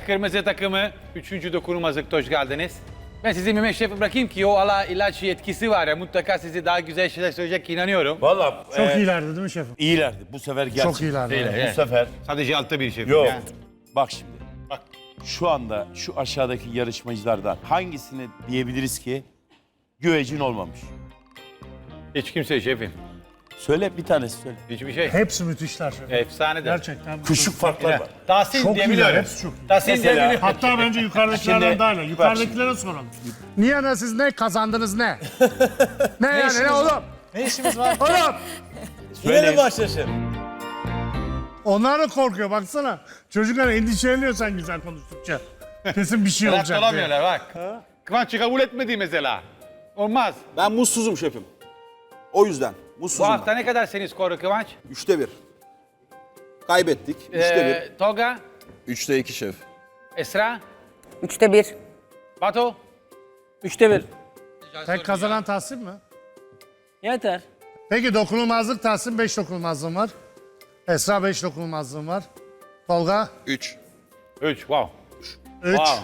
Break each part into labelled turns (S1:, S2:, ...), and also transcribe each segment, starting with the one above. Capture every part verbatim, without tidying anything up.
S1: kırmızı takımı üçüncü dokunulmazlıkta hoş geldiniz. Ben sizi Mehmet Şef'e bırakayım ki o ala ilaç yetkisi var ya mutlaka sizi daha güzel şeyler söyleyecek ki inanıyorum.
S2: Valla
S3: Çok
S2: e,
S3: iyilerdi değil mi şefim?
S2: iyilerdi. Bu sefer gerçekten.
S3: Çok iyilerdi.
S1: Değil,
S3: evet.
S1: evet.
S2: Bu sefer
S1: Sadece altta bir şef.
S2: yok.
S1: Yani.
S2: Bak şimdi. Bak şu anda şu aşağıdaki yarışmacılardan hangisini diyebiliriz ki güvecin olmamış?
S1: Hiç kimse şefim.
S2: Söyle bir tanesi söyle.
S1: Hiçbir şey.
S3: Hepsi müthişler şefim.
S1: Efsanedir.
S3: Gerçekten.
S2: Küçük farklar var.
S1: Tahsin
S3: Çok
S1: diyebiliyorum.
S3: iyiler, hepsi çok iyi.
S1: Tahsin
S2: Mesela-
S1: diyebiliyorum.
S3: Hatta bence yukarıdakilerden
S2: Şimdi-
S3: daha iyi.
S2: bak
S3: Yukarıdakilere soralım. Niye ne siz ne kazandınız ne? ne yani ne oğlum?
S4: Ne işimiz var?
S3: Oğlum!
S4: Yine mi başlaşır?
S3: Onlar da korkuyor baksana. Çocuklar endişeleniyor sen güzel konuştukça. Kesin bir şey
S1: Rahat
S3: olacak diye.
S1: olamıyorlar bak. Kıvanç'ı kabul etmedi mesela. Olmaz.
S5: Ben mutsuzum şefim. O yüzden
S1: Bu
S5: mutsuzum.
S1: hafta ne kadar senin skoru Kıvanç?
S5: ben. Üçte bir. Kaybettik. Üçte
S1: Ee, Tolga,
S6: Üçte iki şef.
S1: Esra,
S7: Üçte bir.
S1: Batu.
S4: Üçte bir.
S3: Tek kazanan Tahsin mi?
S4: Yeter.
S3: Peki dokunulmazlık Tahsin beş dokunulmazlığım var. Esra beş dokunulmazlığım var. Tolga
S6: Üç.
S1: Üç, wow.
S3: üç.
S1: Wow.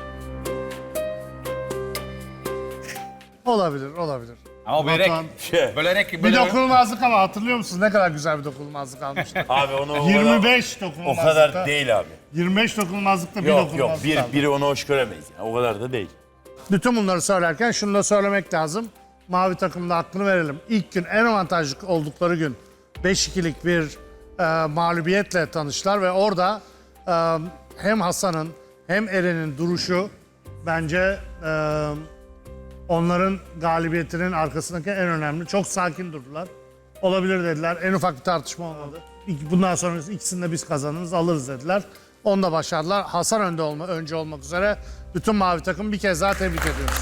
S3: Olabilir, olabilir.
S1: Ama börek,
S3: Batuhan.
S2: Şey,
S1: bölerek,
S3: Bir
S1: böyle...
S3: dokunulmazlık ama hatırlıyor musunuz? Ne kadar güzel bir dokunulmazlık almıştı.
S2: abi onu o kadar,
S3: yirmi beş
S2: o
S3: dokunulmazlıkta.
S2: kadar değil abi.
S3: yirmi beş dokunulmazlıkta bir
S2: Yok yok
S3: dokunulmazlık
S2: bir,
S3: aldı.
S2: biri onu hoş göremeyiz. Yani. O kadar da değil.
S3: Bütün bunları söylerken şunu da söylemek lazım. Mavi takımda hakkını verelim. İlk gün en avantajlı oldukları gün beş ikilik bir e, mağlubiyetle tanıştılar ve orada e, hem Hasan'ın hem Eren'in duruşu bence e, onların galibiyetinin arkasındaki en önemli. Çok sakin durdular. Olabilir dediler. En ufak bir tartışma olmadı. İki- Bundan sonra ikisini de biz kazanırız, alırız dediler. Onu da başardılar. Hasan önde olma, önce olmak üzere bütün mavi takım bir kez daha tebrik ediyoruz.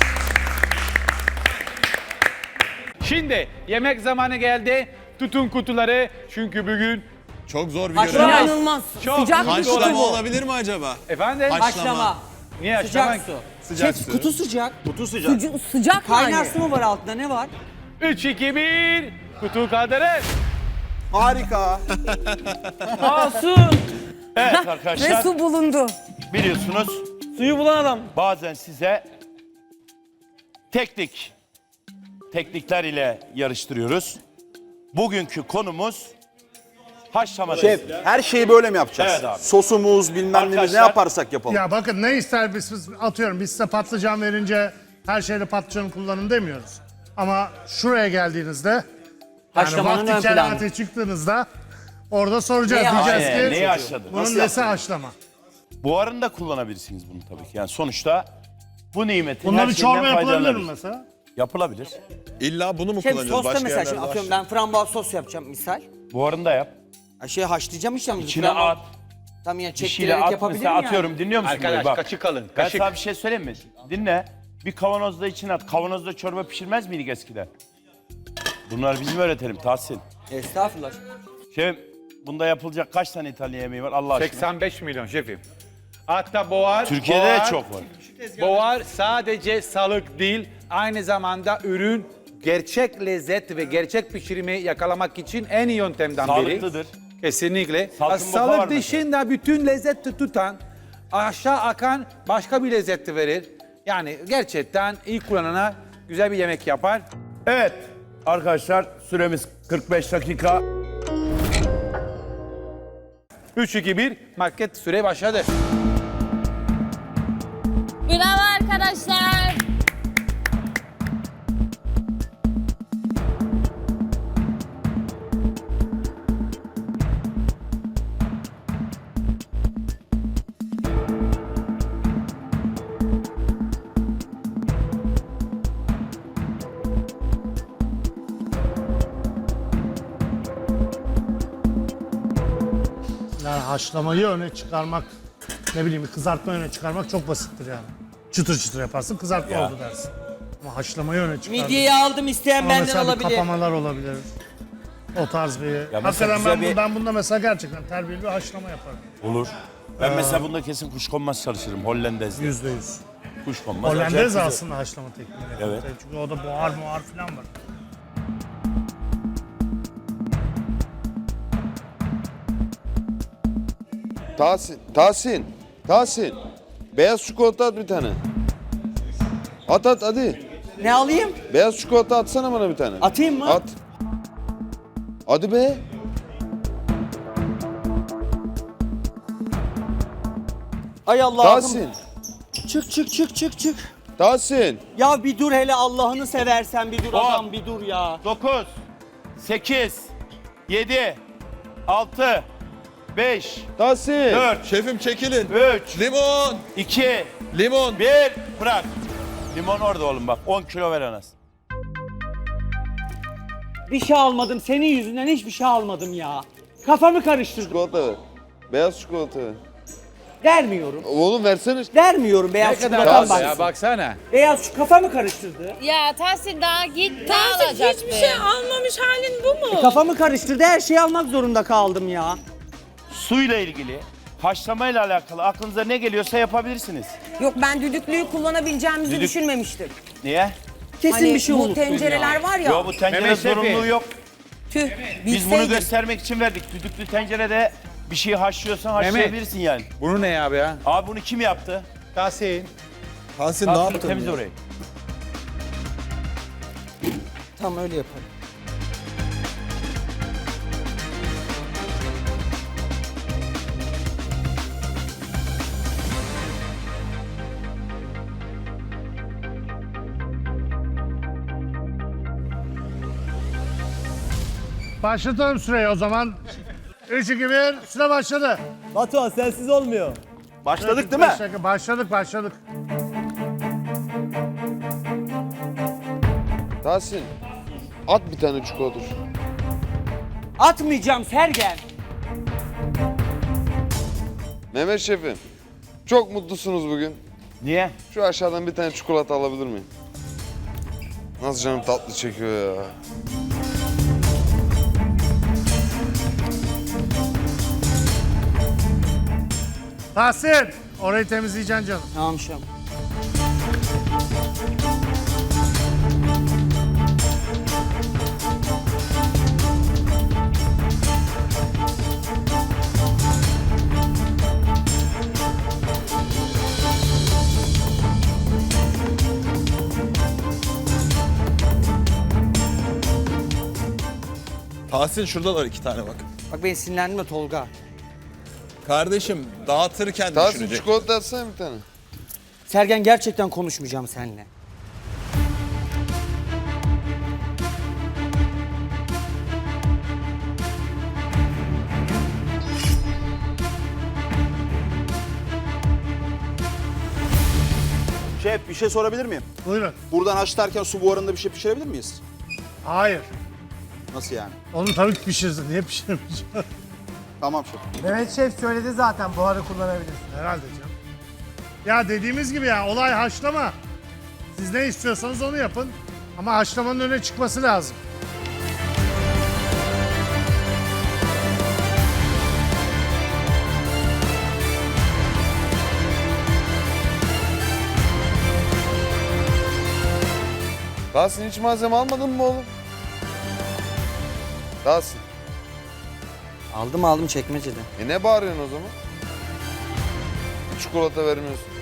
S1: Şimdi yemek zamanı geldi. Tutun kutuları çünkü bugün...
S6: Çok zor bir görev.
S7: İnanılmaz.
S1: Çok
S7: Sıcak bir kutu
S6: Haşlama
S7: bu.
S6: olabilir mi acaba?
S1: Efendim?
S6: Haşlama.
S1: Niye açlamak?
S4: Sıcak su.
S6: Sıcak
S8: Şef
S6: su.
S8: kutu sıcak.
S5: Kutu sıcak.
S7: Sıca- sıcak
S8: Kaynar
S7: yani.
S8: su mu var altında ne var?
S1: Üç, iki, bir. Kutu kaldırın.
S5: Harika.
S4: Aa su.
S2: Evet
S7: Ve
S2: arkadaşlar
S7: su bulundu.
S2: biliyorsunuz
S4: Suyu bulan adam.
S2: bazen size teknik teknikler ile yarıştırıyoruz. Bugünkü konumuz haşlama.
S5: Şef her şeyi böyle mi yapacağız?
S2: Evet abi.
S5: Sosumuz bilmem neyimiz ne
S2: Arkadaşlar-
S5: yaparsak yapalım.
S3: Ya bakın ne ister biz, biz atıyorum biz size patlıcan verince her şeyde patlıcanı kullanın demiyoruz. Ama şuraya geldiğinizde yani
S8: Haşlamanın
S3: vakti
S8: ön planı.
S3: kerate çıktığınızda orada soracağız.
S8: Neyi
S3: Diyeceğiz
S2: Aynen,
S3: ki
S2: neyi haşladın?
S3: bunun
S5: Nasıl
S3: nesi
S5: yaptın?
S3: haşlama.
S2: Buharını kullanabilirsiniz bunu tabii ki. Yani sonuçta bu nimetin
S3: Bununla
S2: her
S3: bir
S2: şeyinden
S3: çorba yapılabilir mi
S2: faydalanırız.
S3: mesela?
S2: Yapılabilir.
S6: İlla bunu mu
S8: Şef
S6: kullanıyoruz?
S8: sosta
S6: Başka
S8: mesela şimdi
S6: yerlerde
S8: atıyorum ben frambuaz sos yapacağım misal.
S2: Buharını da yap.
S8: Ha, şey haşlayacağım işte.
S2: İçine
S8: frambuaz-
S2: at.
S8: Tamam yani
S2: Bir şeyle
S8: çektirerek
S2: at
S8: yapabilirim
S2: mesela
S8: yani.
S2: atıyorum. Dinliyor musun?
S1: Arkadaş,
S2: burayı? Bak.
S1: kaşık alın,
S2: Ben
S1: kaşık.
S2: sana bir şey söyleyeyim mi? Dinle. Bir kavanozda içine at. Kavanozda çorba pişirmez miydik eskiden? Bunları bizim öğretelim Tahsin.
S8: Estağfurullah.
S2: Şef bunda yapılacak kaç tane İtalyan yemeği var Allah aşkına?
S1: seksen beş milyon şefim. Hatta boğar.
S2: Türkiye'de
S1: boğar,
S2: de çok var.
S1: Boğar sadece sağlık değil, aynı zamanda ürün gerçek lezzet ve gerçek pişirimi yakalamak için en iyi yöntemden biri.
S2: Sağlıklıdır.
S1: Kesinlikle.
S2: Salkım boka var
S1: Sağlık
S2: mesela.
S1: dışında bütün lezzeti tutan, aşağı akan başka bir lezzeti verir. Yani gerçekten iyi kullanana güzel bir yemek yapar.
S2: Evet arkadaşlar süremiz kırk beş dakika.
S1: üç, iki, bir market süre başladı.
S9: Bravo arkadaşlar.
S3: Yani haşlamayı öne çıkarmak, ne bileyim kızartma öne çıkarmak çok basittir yani. Çıtır çıtır yaparsın kızartma
S2: Ya.
S3: oldu dersin. Ama haşlamayı öne çıkarmak.
S8: Midyeyi aldım isteyen
S3: Ama
S8: benden
S3: mesela bir
S8: alabilir.
S3: kapamalar olabilir. O tarz bir...
S2: mesela
S3: Hakikaten
S2: güzel
S3: ben,
S2: bir-
S3: bu- ben bunda mesela gerçekten terbiyeli bir haşlama yaparım.
S2: Olur. Ben mesela bunda kesin kuşkonmaz çalışırım Hollandez'de.
S3: Yüzde yüz.
S2: Kuşkonmaz.
S3: Hollandez
S2: acayip güzel.
S3: aslında haşlama tekniği.
S2: Evet.
S3: Çünkü o da buhar muhar falan var.
S10: Tahsin, Tahsin.
S7: Tahsin. Beyaz çikolata at bir tane. At at hadi.
S8: Ne alayım?
S7: Beyaz çikolata atsana bana bir tane.
S8: Atayım mı?
S7: At. Hadi be.
S8: Ay Allah'ım.
S7: Tahsin.
S8: Çık çık çık çık çık.
S7: Tahsin.
S8: Ya bir dur hele Allah'ını seversen bir dur
S2: On.
S8: adam bir dur ya.
S2: dokuz, sekiz, yedi, altı, beş,
S7: Tahsin.
S2: dört,
S6: Şefim çekilin.
S2: üç,
S6: Limon.
S2: iki,
S6: Limon.
S2: bir. Bırak. Limon orada oğlum bak. on kilo ver Anas.
S8: Bir şey almadım senin yüzünden hiçbir şey almadım ya. Kafamı karıştırdım.
S7: Çikolata ver. Beyaz çikolata ver.
S8: Vermiyorum.
S7: Oğlum versene.
S8: Vermiyorum beyaz
S1: Ne kadar
S8: çikolatan
S1: az ya
S8: bak.
S1: baksana.
S8: Beyaz şu kafamı karıştırdı.
S9: Ya Tahsin daha git ne
S10: Tahsin
S9: alacaktı?
S10: hiçbir şey almamış halin bu mu?
S8: Kafamı karıştırdı her şeyi almak zorunda kaldım ya.
S2: Suyla ilgili, haşlamayla alakalı aklınıza ne geliyorsa yapabilirsiniz.
S10: Yok ben düdüklüyü kullanabileceğimizi
S2: Düdük-
S10: düşünmemiştim.
S2: Niye?
S8: Kesin
S10: Hani
S8: bir şey
S10: bu
S8: unuttum
S10: tencereler
S8: ya.
S10: var ya.
S2: Yo bu tencere
S1: Mehmet Şefi.
S2: zorunluluğu yok.
S10: Tüh.
S2: Biz bunu
S10: bilseydim.
S2: göstermek için verdik. Düdüklü tencerede bir şey haşlıyorsan haşlayabilirsin yani.
S1: Bunu ne abi ya?
S2: Abi bunu kim yaptı?
S1: Tahsin.
S6: Tahsin ne
S2: Tahsin
S6: yaptın?
S2: temiz
S6: ya?
S2: orayı.
S8: Tam öyle yaparım.
S3: Başlatalım süreyi o zaman. üç, iki, bir, süre başladı.
S4: Batuhan sensiz olmuyor.
S5: Başladık değil mi?
S3: Beş dakika, Başladık, başladık.
S7: Tahsin. At bir tane çikolata.
S8: Atmayacağım Sergen.
S7: Mehmet Şefim. Çok mutlusunuz bugün.
S2: Niye?
S7: Şu aşağıdan bir tane çikolata alabilir miyim? Nasıl canım tatlı çekiyor ya.
S3: Tahsin, orayı temizleyeceksin canım.
S8: Tamam şam.
S6: Tahsin şurada var iki tane bak.
S8: Bak ben sinirlendim de Tolga.
S6: Kardeşim dağıtırken
S7: Tahsin
S6: düşünecek.
S7: çikolata atsana bir tane.
S8: Sergen gerçekten konuşmayacağım seninle.
S5: Şef bir şey sorabilir miyim?
S3: Buyurun.
S5: Buradan haşlarken su buharında bir şey pişirebilir miyiz?
S3: Hayır.
S5: Nasıl yani?
S3: Onu tabii ki pişirsin. Niye pişirmeyeceğim?
S5: Tamam şef.
S11: Mehmet Şef söyledi zaten buharı kullanabilirsin.
S3: Herhalde canım. Ya dediğimiz gibi ya olay haşlama. Siz ne istiyorsanız onu yapın. Ama haşlamanın öne çıkması lazım.
S7: Tahsin hiç malzeme almadın mı oğlum? Tahsin.
S8: Aldım aldım çekmecede.
S7: E ne bağırıyorsun o zaman? Çikolata vermiyorsun.